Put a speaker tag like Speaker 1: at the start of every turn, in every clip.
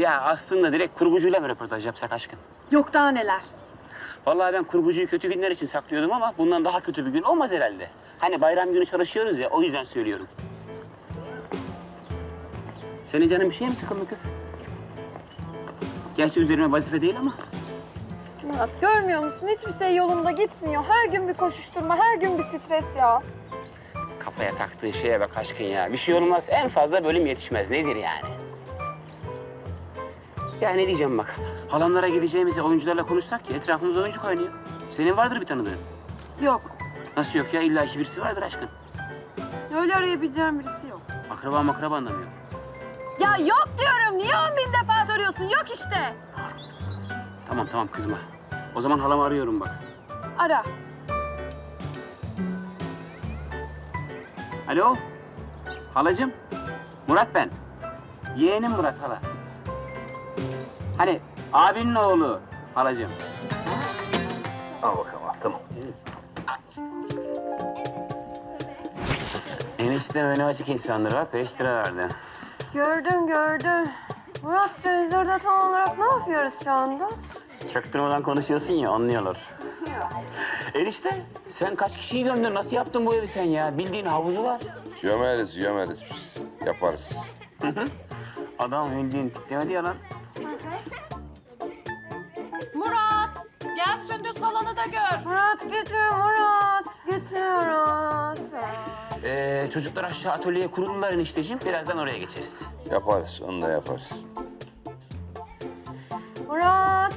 Speaker 1: Ya aslında direkt kurgucuyla mı röportaj yapsak aşkın?
Speaker 2: Yok daha neler.
Speaker 1: Vallahi ben kurgucuyu kötü günler için saklıyordum ama bundan daha kötü bir gün olmaz herhalde. Hani bayram günü çalışıyoruz ya, o yüzden söylüyorum. Senin canın bir şeye mi sıkıldı kız? Gerçi üzerime vazife değil ama.
Speaker 2: Murat görmüyor musun? Hiçbir şey yolunda gitmiyor. Her gün bir koşuşturma, her gün bir stres ya.
Speaker 1: Kafaya taktığı şeye bak aşkın ya. Bir şey olmaz, en fazla bölüm yetişmez. Nedir yani? Ya ne diyeceğim bak. Halamlara gideceğimize oyuncularla konuşsak ya, etrafımızda oyuncu kaynıyor. Senin vardır bir tanıdığın.
Speaker 2: Yok.
Speaker 1: Nasıl yok ya? İlla ki birisi vardır aşkın.
Speaker 2: Öyle arayabileceğim birisi yok.
Speaker 1: Akraba anlamıyor.
Speaker 2: Ya yok diyorum. Niye 10.000 defa soruyorsun? Yok işte.
Speaker 1: Tamam kızma. O zaman halamı arıyorum bak.
Speaker 2: Ara.
Speaker 1: Alo? Halacığım? Murat ben. Yeğenim Murat hala. Hani abinin oğlu halacığım. Al bakalım al, tamam. Enişte önü açık insandır bak, 5 lira verdi.
Speaker 2: Gördüm. Muratcığım biz orada tam olarak ne yapıyoruz şu anda?
Speaker 1: Çaktırmadan konuşuyorsun ya, anlıyorlar. Enişte, sen kaç kişiyi gömdün? Nasıl yaptın bu evi sen ya? Bildiğin havuzu var.
Speaker 3: Gömeriz biz. Yaparız.
Speaker 1: Adam bildiğin tiklemedi ya lan.
Speaker 4: Murat, gel Sündüz halanı da gör.
Speaker 2: Murat götür Murat.
Speaker 1: Çocuklar aşağı atölyeye kuruldular enişteciğim. Birazdan oraya geçeriz.
Speaker 3: Yaparız, onu da yaparız.
Speaker 2: Murat.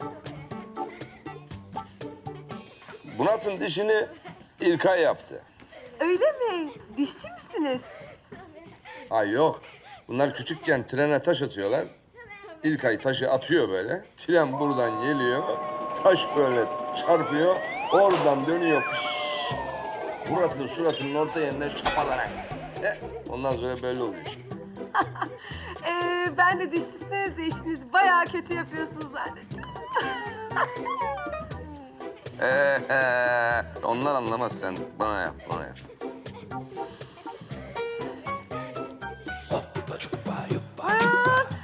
Speaker 3: Murat'ın dişini İlkay yaptı.
Speaker 2: Öyle mi? Dişçi misiniz?
Speaker 3: Ha yok. Bunlar küçükken trene taş atıyorlar. İlkay taşı atıyor böyle. Tren buradan geliyor. Taş böyle çarpıyor. Oradan dönüyor. Fış. Murat'ın suratının orta yerine şapalanak. Ondan sonra böyle oluyor işte.
Speaker 2: Ben de dişçisiniz de işinizi bayağı kötü yapıyorsunuz zannettim.
Speaker 3: Onlar anlamaz sen. Bana yap.
Speaker 2: Murat!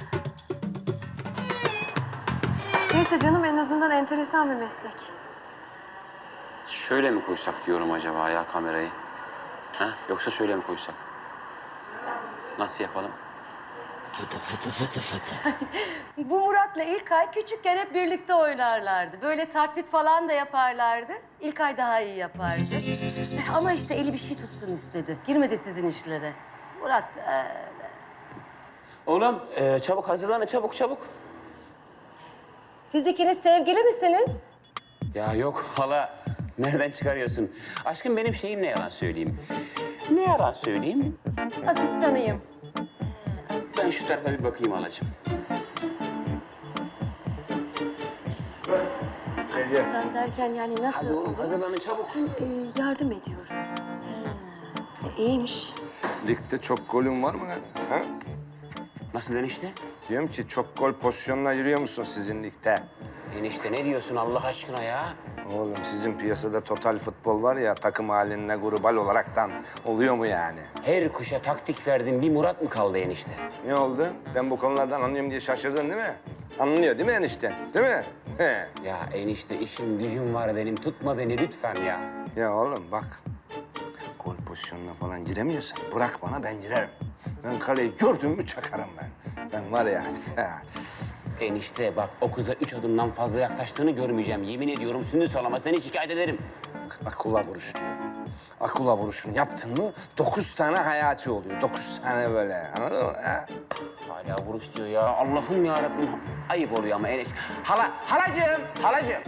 Speaker 2: Neyse canım en azından enteresan bir meslek.
Speaker 1: Şöyle mi koysak diyorum acaba ya kamerayı? Ha? Yoksa şöyle mi koysak? Nasıl yapalım?
Speaker 4: Bu Murat'la İlkay küçükken hep birlikte oynarlardı. Böyle taklit falan da yaparlardı. İlkay daha iyi yapardı. Ama işte eli bir şey tutsun istedi. Girmedi sizin işlere. Murat
Speaker 1: Oğlum çabuk hazırlanın çabuk.
Speaker 4: siz ikiniz sevgili misiniz?
Speaker 1: Ya yok hala nereden çıkarıyorsun? Aşkım benim şeyim ne yalan söyleyeyim? Ne yalan söyleyeyim?
Speaker 4: Asistanıyım.
Speaker 1: Ben şu tarafa bir bakayım halacığım.
Speaker 4: Asistan derken yani
Speaker 1: Hadi
Speaker 4: nasıl?
Speaker 1: oğlum hazırlanın çabuk.
Speaker 2: Yardım ediyorum.
Speaker 4: İyiymiş.
Speaker 3: Ligde çok golün var mı lan? Ha?
Speaker 1: Nasıl enişte?
Speaker 3: Diyorum ki çok gol pozisyonuna yürüyor musun sizin ligde?
Speaker 1: Enişte ne diyorsun Allah aşkına ya?
Speaker 3: Oğlum sizin piyasada total futbol var ya takım halinde global olaraktan oluyor mu yani?
Speaker 1: Her kuşa taktik verdin bir Murat mı kaldı enişte?
Speaker 3: Ne oldu? Ben bu konulardan anlıyorum diye şaşırdın değil mi? Anlıyor değil mi enişte? Değil mi? He.
Speaker 1: Ya enişte işim gücüm var benim tutma beni lütfen ya.
Speaker 3: Ya oğlum bak. Gol pozisyonuna falan giremiyorsan bırak bana ben girerim. Ben kaleyi gördüm mü çakarım ben. Ben var ya.
Speaker 1: Enişte bak o kıza 3 adımdan fazla yaklaştığını görmeyeceğim. Yemin ediyorum Sündüz halama seni şikayet ederim.
Speaker 3: Akula vuruş diyorum. Akula vuruşunu yaptın mı 9 tane hayati oluyor. 9 tane böyle anladın mı? Ha?
Speaker 1: Hala vuruş diyor ya. Allah'ım ya Rabbim. Ayıp oluyor ama enişte. Halacığım.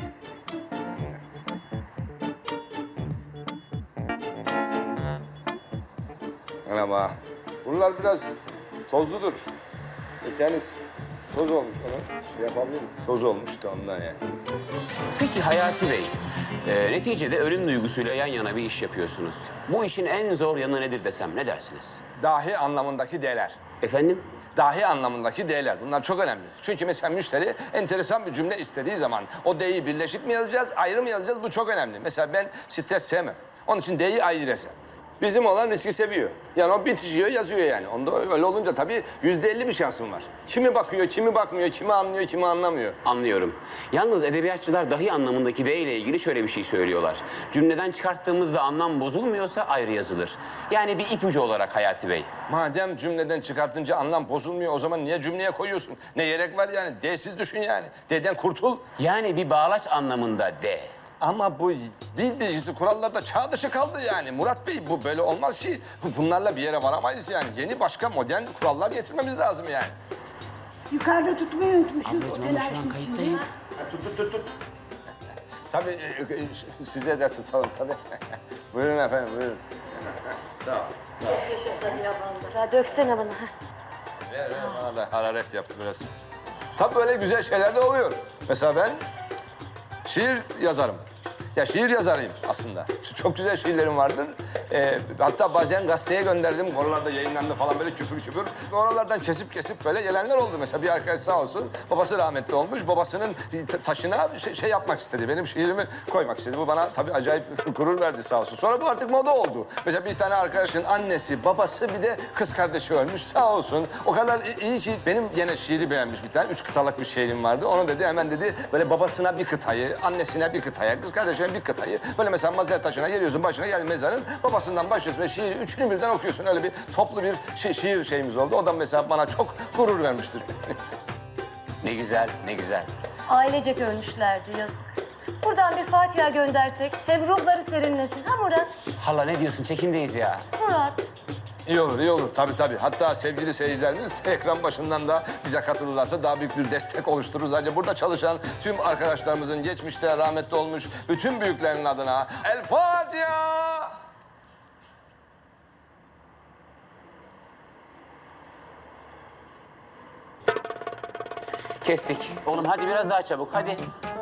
Speaker 3: Merhaba. Bunlar biraz tozludur. Tenis toz olmuş ona. Şey yapabiliriz. Toz olmuş da ondan yani.
Speaker 1: Peki Hayati Bey, neticede ölüm duygusuyla yan yana bir iş yapıyorsunuz. Bu işin en zor yanı nedir desem ne dersiniz?
Speaker 3: Dahi anlamındaki D'ler.
Speaker 1: Efendim?
Speaker 3: Dahi anlamındaki D'ler. Bunlar çok önemli. Çünkü mesela müşteri enteresan bir cümle istediği zaman o D'yi birleşik mi yazacağız, ayrı mı yazacağız? Bu çok önemli. Mesela ben stres sevmem. Onun için D'yi ayrı yazarım.
Speaker 5: Bizim olan riski seviyor. Yani o bitişiyor, yazıyor yani. Onda öyle olunca tabii %50 bir şansın var. Kimi bakıyor, kimi bakmıyor, kimi anlıyor, kimi anlamıyor.
Speaker 1: Anlıyorum. Yalnız edebiyatçılar dahi anlamındaki D ile ilgili şöyle bir şey söylüyorlar. Cümleden çıkarttığımızda anlam bozulmuyorsa ayrı yazılır. Yani bir ipucu olarak Hayati Bey.
Speaker 5: Madem cümleden çıkartınca anlam bozulmuyor, o zaman niye cümleye koyuyorsun? Ne gerek var yani? D'siz düşün yani. D'den kurtul.
Speaker 1: Yani bir bağlaç anlamında D.
Speaker 5: Ama bu dil bilgisi kurallarda çağ dışı kaldı yani. Murat Bey bu böyle olmaz ki. Bunlarla bir yere varamayız yani. Yeni başka modern kurallar getirmemiz lazım yani.
Speaker 6: Yukarıda tutmayı unutmuşuz.
Speaker 1: Ablacığım ama şu an kayıttayız.
Speaker 5: Tut. Tabii size de tutalım tabii. Buyurun efendim, buyurun. Sağ ol.
Speaker 4: Ya döksene bana.
Speaker 5: Ver bana da hararet yaptı biraz. Tabii böyle güzel şeyler de oluyor. Mesela ben şiir yazarım. Ya şiir yazarıyım aslında. Çok güzel şiirlerim vardır. Hatta bazen gazeteye gönderdim. Oralarda yayınlandı falan böyle küpür küpür. Oralardan kesip böyle gelenler oldu. Mesela bir arkadaş sağ olsun babası rahmetli olmuş. Babasının taşına şey yapmak istedi. Benim şiirimi koymak istedi. Bu bana tabii acayip gurur verdi sağ olsun. Sonra bu artık moda oldu. Mesela bir tane arkadaşın annesi, babası bir de kız kardeşi ölmüş sağ olsun. O kadar iyi ki benim yine şiiri beğenmiş bir tane. 3 kıtalık bir şiirim vardı. Onu dedi hemen dedi böyle babasına bir kıtayı, annesine bir kıtaya, kız kardeşine bir kıtayı. Böyle mesela mezar taşına geliyorsun, başına geldi mezarın. Babasından başlıyorsun ve şiiri üçünü birden okuyorsun. Öyle bir toplu bir şiir şeyimiz oldu. O da mesela bana çok gurur vermiştir.
Speaker 1: Ne güzel, ne güzel.
Speaker 4: Ailecek ölmüşlerdi yazık. Buradan bir Fatiha göndersek hem ruhları serinlesin. Ha Murat?
Speaker 1: Hala ne diyorsun? Çekimdeyiz ya.
Speaker 4: Murat.
Speaker 5: İyi olur, iyi olur. Tabii. Hatta sevgili seyircilerimiz ekran başından da bize katılırlarsa daha büyük bir destek oluştururuz. Ayrıca burada çalışan tüm arkadaşlarımızın geçmişte rahmetli olmuş bütün büyüklerin adına El Fatiha!
Speaker 1: Kestik. Oğlum hadi biraz daha çabuk, hadi.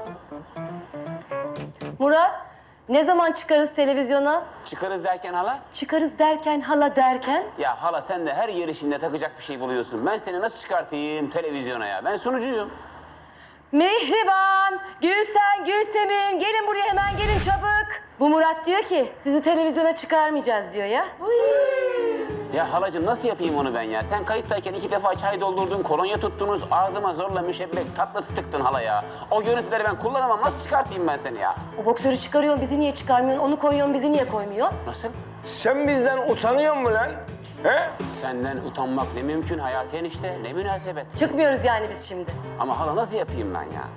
Speaker 4: Murat, ne zaman çıkarız televizyona?
Speaker 1: Çıkarız derken hala?
Speaker 4: Çıkarız derken, hala derken?
Speaker 1: Ya hala sen de her yer işinde takacak bir şey buluyorsun. Ben seni nasıl çıkartayım televizyona ya? Ben sunucuyum.
Speaker 4: Mihriban, Gülsen, Gülsemin, gelin buraya hemen gelin çabuk. Bu Murat diyor ki sizi televizyona çıkarmayacağız diyor ya.
Speaker 1: Ya halacığım nasıl yapayım onu ben ya? Sen kayıttayken 2 defa çay doldurdun, kolonya tuttunuz, ağzıma zorla müşebbek tatlısı tıktın hala ya. O görüntüleri ben kullanamam. Nasıl çıkartayım ben seni ya?
Speaker 4: O boksörü çıkarıyorsun bizi niye çıkarmıyorsun? Onu koyuyorsun bizi niye koymuyorsun?
Speaker 1: Nasıl?
Speaker 5: Sen bizden utanıyor musun lan? He?
Speaker 1: Senden utanmak ne mümkün Hayati enişte, ne münasebet.
Speaker 4: Çıkmıyoruz yani biz şimdi.
Speaker 1: Ama hala nasıl yapayım ben ya?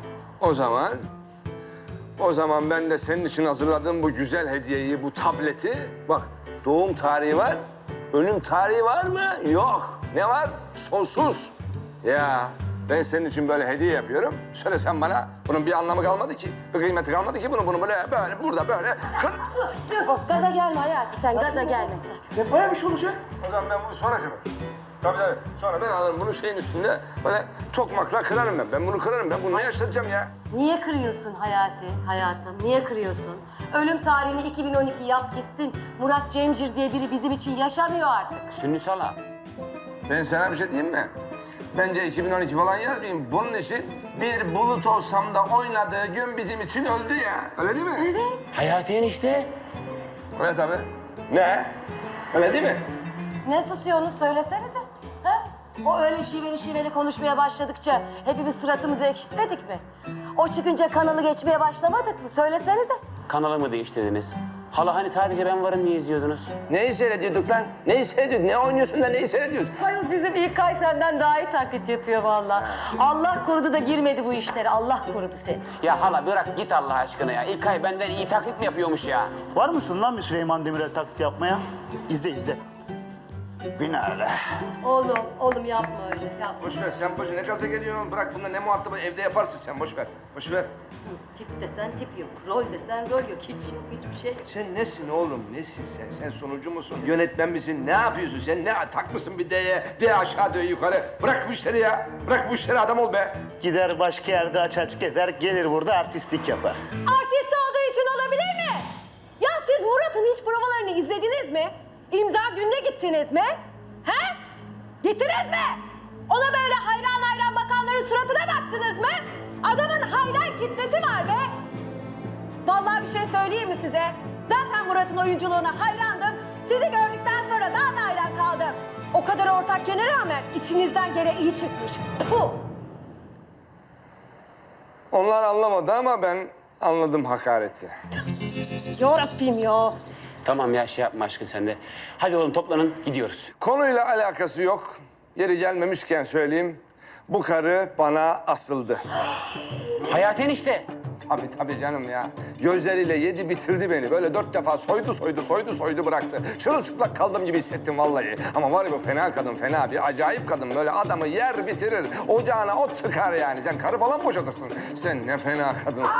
Speaker 5: O zaman ben de senin için hazırladığım bu güzel hediyeyi, bu tableti... Bak, doğum tarihi var, ölüm tarihi var mı? Yok. Ne var? Sonsuz. Ya ben senin için böyle hediye yapıyorum. Söyle sen bana, bunun bir anlamı kalmadı ki. Bir kıymeti kalmadı ki bunun. Bunu böyle burada böyle kır.
Speaker 4: Dur, gaza gelme hayatım sen, gaza gelme sen.
Speaker 5: Ne bayağı bir şey olacak. O zaman ben bunu sonra kırarım. Tabii. Sonra ben alırım bunu şeyin üstünde böyle tokmakla kırarım ben. Ben bunu kırarım. Ben bunu ne yaşatacağım ya?
Speaker 4: Niye kırıyorsun hayatım? Niye kırıyorsun? Ölüm tarihini 2012 yap gitsin. Murat Cemcir diye biri bizim için yaşamıyor artık.
Speaker 1: Sünnüs hala.
Speaker 5: Ben sana bir şey diyeyim mi? Bence 2012 falan yazmayayım. Bunun için bir bulut olsam da oynadığı gün bizim için öldü ya. Öyle değil mi? Evet.
Speaker 1: Hayati enişte.
Speaker 5: Öyle tabii. Ne? Öyle değil mi?
Speaker 4: Ne susuyorsunuz söylesenize. Ha? O öyle şiveli konuşmaya başladıkça hepimiz suratımızı ekşitmedik mi? O çıkınca kanalı geçmeye başlamadık mı? Söylesenize.
Speaker 1: Kanalı mı değiştirdiniz? Hala hani sadece ben varım diye izliyordunuz.
Speaker 5: Neyi seyrediyorduk lan? Neyi seyrediyorduk? Ne oynuyorsun da neyi seyrediyorsun?
Speaker 4: Hayır bizim İlkay senden daha iyi taklit yapıyor vallahi. Allah korudu da girmedi bu işlere. Allah korudu seni.
Speaker 1: Ya hala bırak git Allah aşkına ya. İlkay benden iyi taklit mi yapıyormuş ya?
Speaker 7: Var mısın lan bir Süleyman Demirel taklit yapmaya? İzle. Binaenaleyh.
Speaker 4: Oğlum yapma öyle. Yapma.
Speaker 5: Boş ver sen ne gaza geliyorsun oğlum? Bırak bunlar ne muhatabı evde yaparsın sen boş ver.
Speaker 4: Tip desen tip yok. Rol desen rol yok. Hiç yok. Hiçbir şey yok.
Speaker 5: Sen nesin oğlum? Nesin sen? Sen sonucu musun? Yönetmen misin? Ne yapıyorsun sen? Ne takmışsın bir D'ye? D aşağı, D yukarı. Bırak bu işleri ya. Bırak bu işleri adam ol be.
Speaker 7: Gider başka yerde aç gezer, gelir burada artistlik yapar.
Speaker 2: Artist olduğu için olabilir mi? Ya siz Murat'ın hiç provalarını izlediniz mi? İmza gününe gittiniz mi? He? Gittiniz mi? Ona böyle hayran bakanların suratına baktınız mı? Adamın hayran kitlesi var be. Vallahi bir şey söyleyeyim mi size? Zaten Murat'ın oyunculuğuna hayrandım. Sizi gördükten sonra daha da hayran kaldım. O kadar ortakkene rağmen içinizden gene iyi çıkmış. Puh!
Speaker 5: Onlar anlamadı ama ben anladım hakareti.
Speaker 2: Yarabbim ya.
Speaker 1: Tamam ya şey yapma aşkın sen de. Hadi oğlum toplanın gidiyoruz.
Speaker 5: Konuyla alakası yok. Yeri gelmemişken söyleyeyim. Bu karı bana asıldı.
Speaker 1: Hayati enişte.
Speaker 5: Tabii canım ya. Gözleriyle yedi bitirdi beni. Böyle 4 defa soydu bıraktı. Çırılçıplak kaldım gibi hissettim vallahi. Ama var ya bu fena kadın, fena bir acayip kadın. Böyle adamı yer bitirir. Ocağına ot tıkar yani. Sen karı falan boşatırsın. Sen ne fena kadınsın.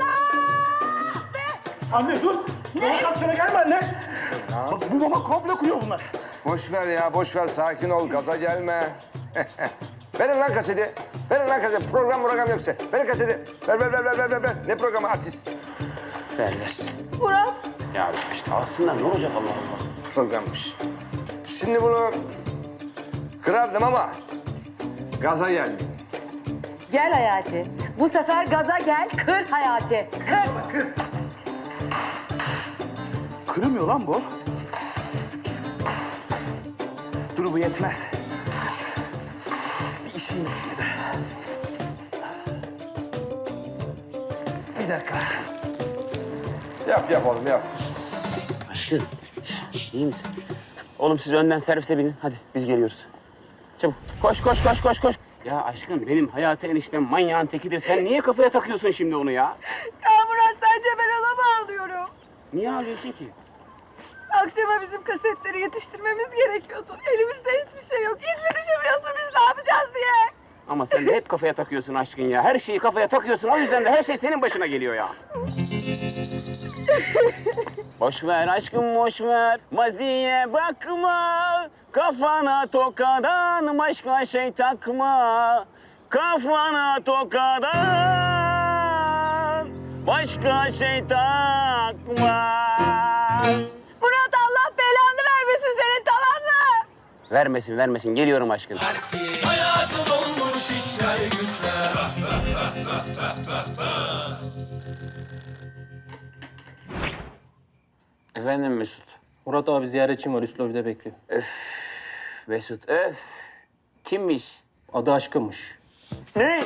Speaker 7: Anne dur. Ne? Sana gelme anne. Bu baba komple kuruyor bunlar.
Speaker 5: Boş ver ya, boş ver. Sakin ol, gaza gelme. Verin lan kaseti. Verin lan kaseti. Program yoksa. Verin kaseti. Ver. Ne programı artist?
Speaker 1: Ver.
Speaker 2: Murat.
Speaker 1: Ya işte alsınlar ne olacak Allah Allah.
Speaker 5: Programmış. Şimdi bunu kırardım ama gaza gelmeyeyim.
Speaker 4: Gel Hayati. Bu sefer gaza gel, kır Hayati. Kır.
Speaker 7: Kırmıyor lan bu. Dur bu yetmez. Bir işim bitmedi. Bir dakika.
Speaker 5: Yap oğlum yap.
Speaker 1: Aşkın. İyi misin? Oğlum siz önden servise binin. Hadi biz geliyoruz. Çabuk. Koş. Ya aşkım benim Hayati eniştem manyağın tekidir. Sen niye kafaya takıyorsun şimdi onu ya?
Speaker 2: Ya Murat sence ben ona mı ağlıyorum?
Speaker 1: Niye ağlıyorsun ki?
Speaker 2: Akşama bizim kasetleri yetiştirmemiz gerekiyordu. Elimizde hiçbir şey yok. Hiç mi düşünmüyorsun biz ne yapacağız diye?
Speaker 1: Ama sen de hep kafaya takıyorsun aşkın ya. Her şeyi kafaya takıyorsun. O yüzden de her şey senin başına geliyor ya. Boş ver aşkım boş ver. Maziye bakma. Kafana tokadan başka şey takma. Kafana tokadan başka şey takma.
Speaker 2: Murat Allah belanı vermesin senin tamam mı?
Speaker 1: Vermesin. Geliyorum aşkın.
Speaker 8: Hayatım olmuş işler güçler.
Speaker 1: Efendim Mesut.
Speaker 9: Murat abi ziyaretçim var. Üst lobide bekliyor.
Speaker 1: Mesut öf. Kimmiş?
Speaker 9: Adı Aşkın'mış.
Speaker 1: Ne?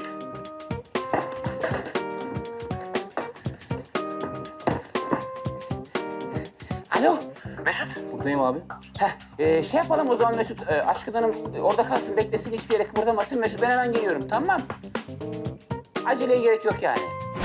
Speaker 1: Alo.
Speaker 9: Buradayım abi.
Speaker 1: Şey yapalım o zaman Mesut. Aşkın Hanım orada kalsın, beklesin, hiçbir yere kıpırdamasın. Mesut ben hemen geliyorum, tamam. Aceleye gerek yok yani.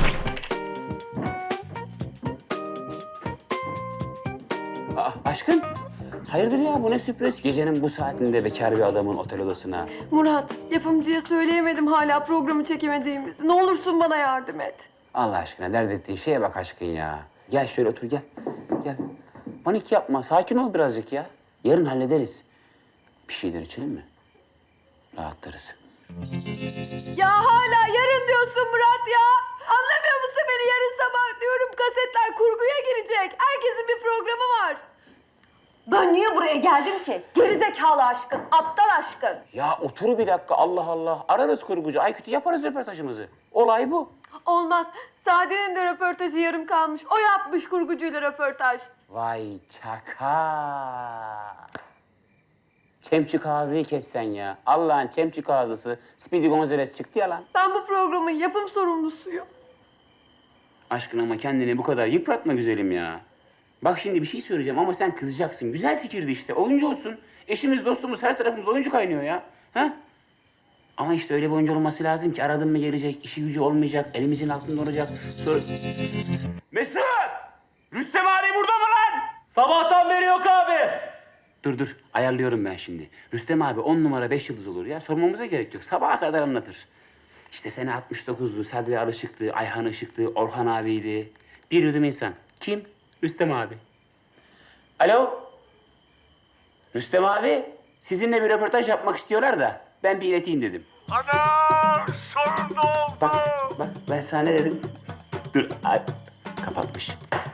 Speaker 1: Aşkın, hayırdır ya bu ne sürpriz? Gecenin bu saatinde bekar bir adamın otel odasına.
Speaker 10: Murat, yapımcıya söyleyemedim hala programı çekemediğimizi. Ne olursun bana yardım et.
Speaker 1: Allah aşkına dert ettiğin şeye bak aşkın ya. Gel şöyle otur gel. Gel. Panik yapma, sakin ol birazcık ya. Yarın hallederiz. Bir şeyler içelim mi? Rahatlarız.
Speaker 10: Ya hala yarın diyorsun Murat ya. Anlamıyor musun beni? Yarın sabah diyorum kasetler kurguya girecek. Herkesin bir programı var.
Speaker 2: Ben niye buraya geldim ki? Gerizekalı aşkın, aptal aşkın.
Speaker 1: Ya otur bir dakika Allah Allah. Ararız kurgucu. Aykut'u yaparız röportajımızı. Olay bu.
Speaker 10: Olmaz. Sade'nin de röportajı yarım kalmış. O yapmış kurgucuyla röportaj.
Speaker 1: Vay çaka. Çemçük ağzıyı kessen ya. Allah'ın çemçük ağzısı. Speedy Gonzales çıktı ya lan.
Speaker 10: Ben bu programın yapım sorumlusuyum.
Speaker 1: Aşkın ama kendini bu kadar yıpratma güzelim ya. Bak şimdi bir şey söyleyeceğim ama sen kızacaksın. Güzel fikirdi işte. Oyuncu olsun. Eşimiz, dostumuz, her tarafımız oyuncu kaynıyor ya. Ha? Ama işte öyle bir oyuncu olması lazım ki aradın mı gelecek, işi gücü olmayacak, elimizin altında olacak. Sonra... Mesut! Rüstem abi burada mı lan?
Speaker 9: Sabahtan beri yok abi.
Speaker 1: Dur, ayarlıyorum ben şimdi. Rüstem abi 10 numara 5 yıldız olur ya. Sormamıza gerek yok. Sabaha kadar anlatır. İşte sene 69'du, Sadri Alışık'tı, Ayhan Işık'tı, Orhan abiydi. Bir yudum insan. Kim? Rüstem abi. Alo? Rüstem abi, sizinle bir röportaj yapmak istiyorlar da ben bir ileteyim dedim.
Speaker 8: Ana sorun oldu.
Speaker 1: Bak ben sana ne dedim? Dur, ay, kapatmış.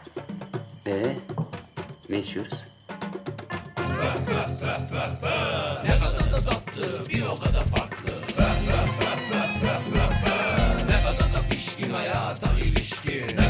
Speaker 1: Ne içiyoruz?
Speaker 8: Ne kadar da tatlı bir o kadar farklı. Ne kadar da pişkin hayata ilişkin.